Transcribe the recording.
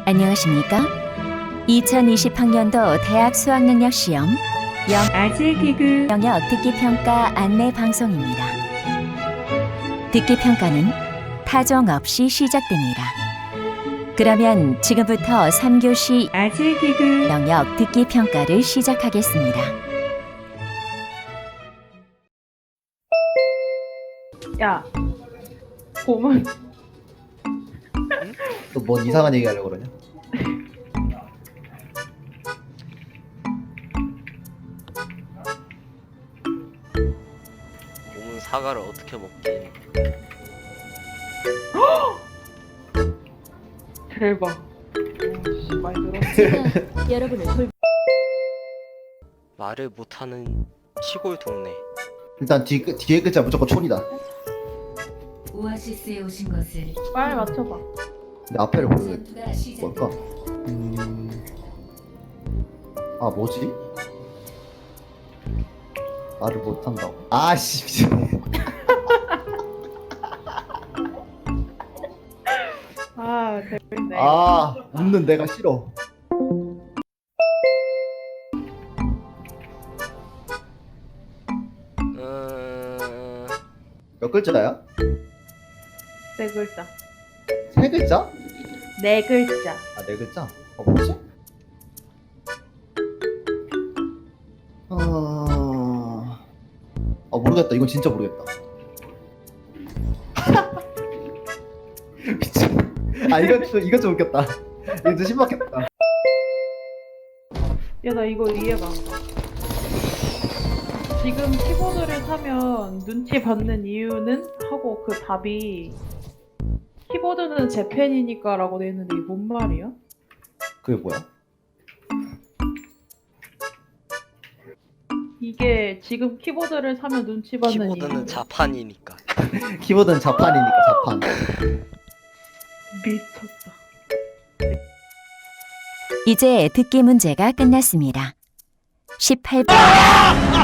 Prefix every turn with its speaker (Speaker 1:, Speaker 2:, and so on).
Speaker 1: 안녕하십니까? 2020학년도 대학 수학능력 시험
Speaker 2: 아재 개그
Speaker 1: 영역 듣기 평가 안내 방송입니다. 듣기 평가는 타종 없이 시작됩니다. 그러면 지금부터 3교시
Speaker 2: 아재 개그
Speaker 1: 영역 듣기 평가를 시작하겠습니다.
Speaker 2: 야 고문
Speaker 3: 또 뭔 이상한 얘기 하려고 그러냐?
Speaker 4: 몸은 사과를 어떻게 먹지?
Speaker 2: 대박. 오, 많이 들었어.
Speaker 1: 여러분을
Speaker 4: 말을 못하는 시골 동네.
Speaker 3: 일단 뒤에 글자 무조건 촌이다.
Speaker 1: 오아시스에 오신 것을
Speaker 2: 빨리 맞춰봐.
Speaker 3: 근데 앞에를 모르겠.
Speaker 1: 전투가 시작.
Speaker 3: 뭘까? 아 뭐지? 말을 못한다고? 아씨 미친.
Speaker 2: 아 재밌네.
Speaker 3: 아 웃는 내가 싫어. 몇 글자야?
Speaker 2: 네 글자.
Speaker 3: 세 글자?
Speaker 2: 네 글자.
Speaker 3: 아 네 글자? 뭐지? 모르겠다. 이건 진짜 모르겠다. 미친. 아 이거 좀 웃겼다. 이거 좀 신박했다.
Speaker 2: 야 나 이거 이해가 안 가. 지금 키보드를 사면 눈치 받는 이유는 하고 그 답이 키보드는 제 펜이니까 라고 돼 있는데 이게 뭔 말이야?
Speaker 3: 그게 뭐야?
Speaker 2: 이게 지금 키보드를 사면 눈치 받는
Speaker 4: 키보드는
Speaker 2: 이유.
Speaker 4: 자판이니까.
Speaker 3: 키보드는 자판이니까 자판.
Speaker 2: 미쳤다.
Speaker 1: 이제 듣기 문제가 끝났습니다. 18번